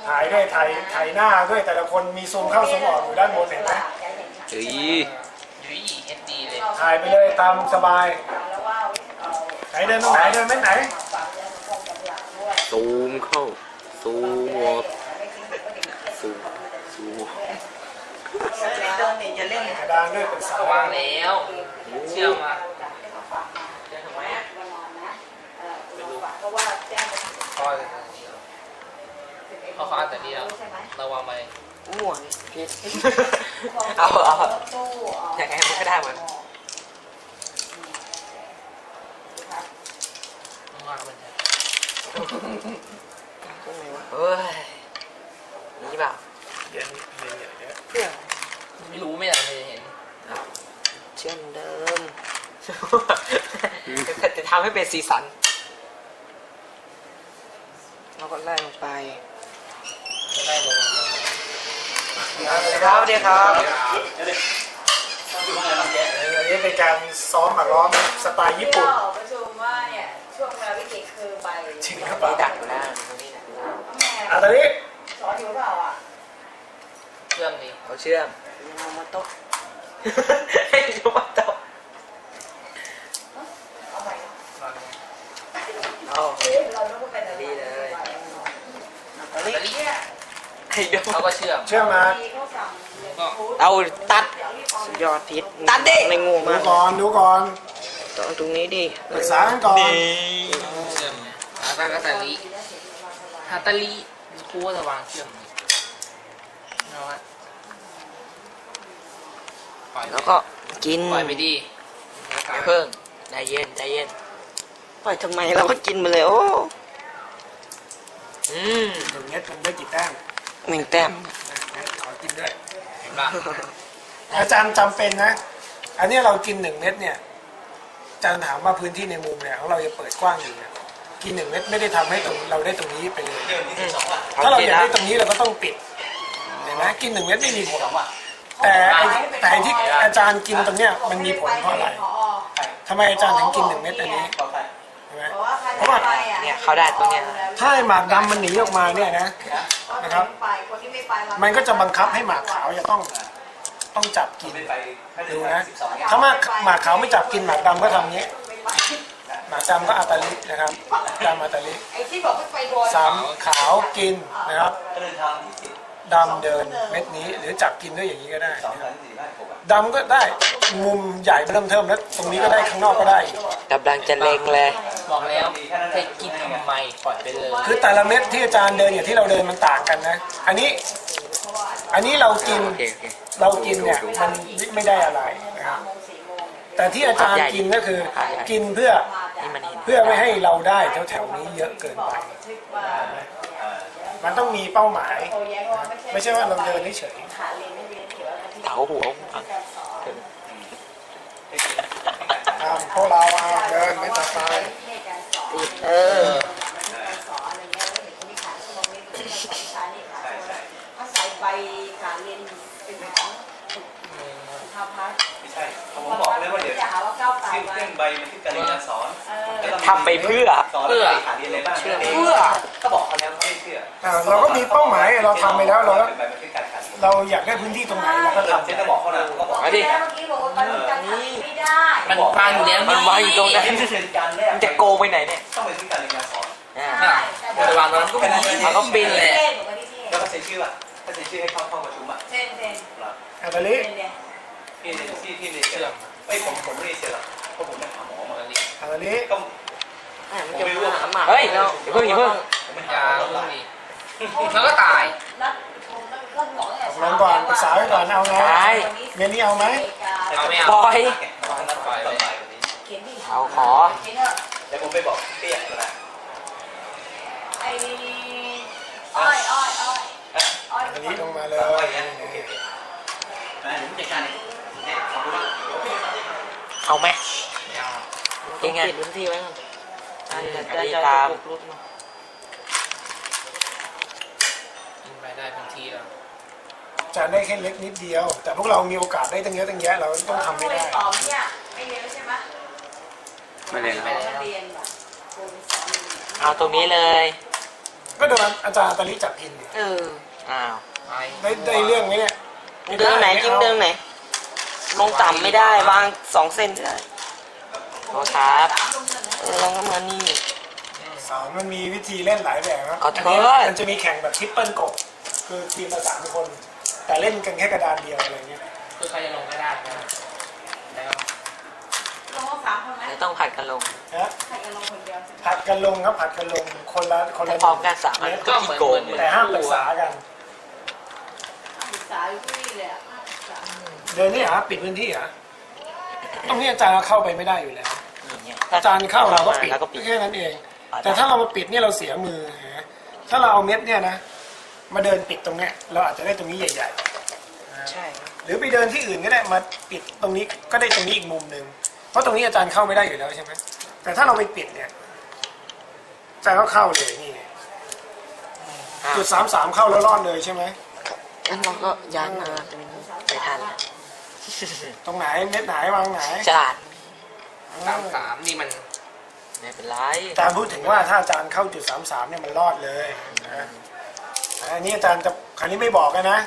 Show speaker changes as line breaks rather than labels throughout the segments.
ถ่ายด้วยถ่ายหน้าด้วยแต่ละคนมีซูมเข้าซูมออกอยู่ด้านบนเห็นไหม
เฮ้ย
ยุ้ยเอสดีเลย
ถ่ายไปเลยตามสบายไหนเดินตรงไหนเดินไม่ไหน
ซูมเข้าซูมออกซูมซูม
อย่าเล่น
กระดานด้วยเป็นสาว
วางแล้วเชื่อมาเชื่อทำไมพ่อเลยพ่อเขาอ่านแต่นี้แล้วระวังไป
มั่วผิดเอาอย่างไงมันก็ได้เหมือน
มากมัน
เฮ้ยนี่เปล่า
เย็นเย็นเยอะ
เพื่อ
ไม่รู้ไม่อยากเห็น
เชื่อมเดิมจะทำให้เป็นสีสันเราก็ไล่ลงไป
จะได้ลง
ครับเดี๋ยวครับ
อันนี้เป็นการซ้อมหมากล้อมสไตล์ญี่ปุ่น
ประชุมว่าเนี่ยช่วงเวลาวิกฤตคือใบ
จริงหรือเปล่า
นี่ดักอยู่แล้วตรงนี้นะ
อ่ะตอนนี้
สอนอยู่เปล่าอ่ะ
เชื่อมนี่
เขาเชื่อมโยมาโตะให้โยมาโตะ
เอาใหม่
เอา
เราต้องเป็นอะไร
ดีเลย
แต่นี่
ให้โย
เขาก็เชื่อม
เชื่อมา
เขาสั่ง
ก็
เอาตัดสุดยอดพิษตัดดิไม่งู
ดู
มาก
ก่อนดูก่อน
ต้องตรงนี้ดิ
ปรึกษากันก่อน
เชื่อมเนี่ยฮาตาลีฮาตาลีครูว่าจะวางเชื่อมเอาฮะปล่อย
แล้วก็กิน
ปล่อยไปดิ
อย่าเพิ่งใจเย็นใจเย็นปล่อยทำไมเราก็กินไปเลยโอ้
หนึ่งเม็ดมันได้กี่แต้ม
หนึ่งแต้ม
ขอกินด้วย
เห็นปะ
อาจารย์จำเป็นนะ อันนี้เรากิน1 เม็ดเนี่ยอาจารย์ถามว่าพื้นที่ในมุมเนี่ยของเราจะเปิดกว้างอยู่เนี่ยกิน1 เม็ดไม่ได้ทำให้เราได้ตรงนี้ไปเลย ถ้าเราอยากได้ตรงนี้เราก็ต้องปิดเห็นไหมกิน1 เม็ดไม่มีผลแต่ไอ้ที่อาจารย์กินตรงเนี้ยมันมีผลเพราะอะไรทำไมอาจารย์ถึงกิน1 เม็ดอันนี้เห็นไหม
เพราะว่า
เนี่ยเขาได้ตรงเนี้ย
ถ้าไอ้หมากดำมันหนีออกมาเนี่ยนะครับ
คนที่ไม่ไป
มันก็จะบังคับให้หมากขาวจะต้องจับกินดูนะถ้าหมากขาวไม่จับกินหมากดำก็ทำนี้หมากดำก็อัตาลินะครับดำอัตาลิ
ไอ้ที่บอกไม่ไปโดน
สามขาวกินนะครับดำเดินเม็ดนี้หรือจับกินด้วยอย่างนี้ก็ได้ดำก็ได้มุมใหญ่เริ่มเทิมแล้วตรงนี้ก็ได้ข้างนอกก็ได้
กำลังจะเล็งเลย
บอกแล้วให้กินทำไมปล่อยไปเลย
คือแต่ละเม็ดที่อาจารย์เดินอย่างที่เราเดินมันต่างกันนะอันนี้เรากิน
โอเคโอเค
เรากินเนี่ยมันไม่ได้อะไรนะครับแต่ที่อาจารย์กินก็คือกินเพื่อ
นี่มันเห็น
ไม่ให้เราได้แถวๆนี้เยอะเกินไป มันต้องมีเป้าหมาย ไม่ใช่ว่าเราเดินเฉย
เถาหัว
พวกเราเดินไม่ตัดไฟ
เออ
เขาใส่ใบขาเรียนเป็นของทำพัฒน์
ไม่ใช่ผมบอกเลยว่าเดี๋ยว
จะหาว่าก้าวไกล
เรื่องใบมันคือการเรียนการสอน
ทำไปเพื่อ
สอนแล้วขาดเรียนอะไรบ้าง
เชื่อ
ก็บอกเขาแล้วเขาไม่เชื่อ
เราก็มีเป้าหมายเราทำไปแล้วเรา
เป็นใบมันคือการขาดเรียน
เราอยากได้พื้นที่ตรงไหนเราก็
ถ้า
ทำ
เจ๊จะบอกเขานะก็บอก
มาดิ
เมื่อกี้บอกว่าตอนนี้การทำไม่ได้
มันวางอยู่แล้ว
มันวางอยู่ตรงนั้น
เป็นการแรก
มันจะโกงไปไหนเนี่ย
ต้องเป็นที่การเรียนการสอน
จะวางตรงนั้นก็มี
มันก็บินเลย
แล้วก็เซ็นชื่ออ่ะถ้าเซ็นชื่อให้เข้าห้องประชุมอ่ะ
เซ็นเซ็น
อัตาลิ
เซ็นเนี่ย
ที่เรียนเชื่อไม่ผมไม่ได้เชื่อหรอกเพราะผมไปหาหมอมา
อัตาลิ
ก็
มันจะหาหมาเฮ้ยอย่าเพิ่งอย่าเพิ่ง
ผมไม่
ยา
หาหมอ
ลูกนี่แล้วก็ตาย
นัดผมก็บอกเนี่ย
ลงก่อนปรึกษาไว้ก่อนเอาไงเมนี่เอาไหม
เอาไม่เอา
ปล่อย
ปล่อยเลยวันนี้
เขียนดิ
เอาขอ
เขียนเถอะ
แล้วผมไปบอกเปี้ยก็ได้
ไอ้อ้อยอ้อยอ้อยอ้อย
อันนี้ลงมาเลย
โอเคผมจัดการเองเนี่ยขอบคุณมาก
เอาไหม
ไม่เอา
ยังไงพื้นที่ไว้ก่อนอันจะตาม
กินไปได้พื้นที่แล้ว
จะได้แค่เล็กนิดเดียว แต่พวกเรามีโอกาสได้ตั้งเยอะตั้งแยะเราต้องทำให้ได้
อ๋อเนี่ยไม่เรียนแล้วใช่ไหม
ไม่เลยครับ
เรียนแบบ
เอาตรงนี้เลย
กก็โดนอาจารย์ตาลิจับกินดิ
เออ อ้าว
ได้เรื่องไหมเนี่ย
เดินไหนจิ้มเดินไหน ลงต่ำไม่ได้วาง2 เส้นไม่ได้โอ้ครับลงมานี่
สอนมันมีวิธีเล่นหลายแบบครับ
ขอโทษ
นนี้มันจะมีแข่งแบบทริปเปิลโกะคือทีมละ3 คน แต่เล่นกันแค่กระดานเดียวอะไรเงี้ย
คือใครจะลงก็ได้นะแล้ว
ลงมาสามคนไหม
ไม่ต้องผัดกันลง
นะ
ใครจะลงคนเดียว
ผัดกันลงครับผัดกันลงคนละ
แต่พร้อมกันสามอัน
เมตร
ก็ขี้โกงเลย
แต่ห้ามปรึกษากัน
ศึกษาอยู่ที่นี่เลยอ่ะศึกษา
เดินนี่เหรอปิดพื้นที่เหรอตรงนี้อาจารย์เข้าไปไม่ได้อยู่แล้ว
อย่างเงี้ย
อาจารย์เข้าเราก็ปิด
แล้วก็ปิด
แค่นั้นเอง แต่ถ้าเรามาปิดเนี่ยเราเสียมือนะถ้าเราเอาเม็ดเนี่ยนะมาเดินปิดตรงเนี้ยเราอาจจะได้ตรงนี้ใหญ่
ใช่
ๆ หรือไปเดินที่อื่นก็ได้มาปิดตรงนี้ก็ได้ตรงนี้อีกมุมหนึ่งเพราะตรงนี้อาจารย์เข้าไม่ได้อยู่แล้วใช่ไหมแต่ถ้าเราไปปิดเนี่ยอาจารย์ก็เข้าเลยนี่ไงจุด33เข้าแล้วรอดเลยใช่ไหม
แล้วเราก็ย้ายมาตรงนี้ไปทันแล้ว
ตรงไหนเม็ดไหนวางไหน
ฉลาด
33นี่มัน
ไม่เป็นไร
อาจารย์พูดถึงว่าถ้าอาจารย์เข้าจุด33เนี่ยมันรอดเลยนะอันนี้อาจารย์จะคราวนี้ไม่บอกกันนะ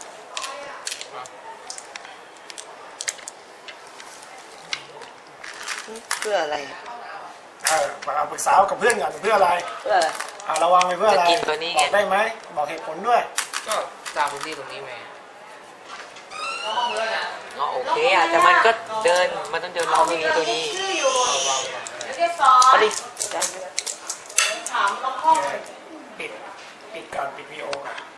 เพื่ออะไร
เอาปรึกษากับเพื่อนก่อนเพื่ออะไร
เพื่ออะไร
ระวังไปเพื่ออะไร
จะกินตัวนี้
บ
ไง
อกได้ไหมบอกเหตุผลด้วย
ก็สร้างพื้นที่ตรงนี้ไหม
อ๋อโอเคอ่ะแต่มันก็เดินมันต้องเดินรอบนี้ตัวนี้
ชื่ออยู่
วาง
ไม่ได้สอน
ปริ
ถามแล้วห้อง
ปิดก่อนปิดวีโอก่อน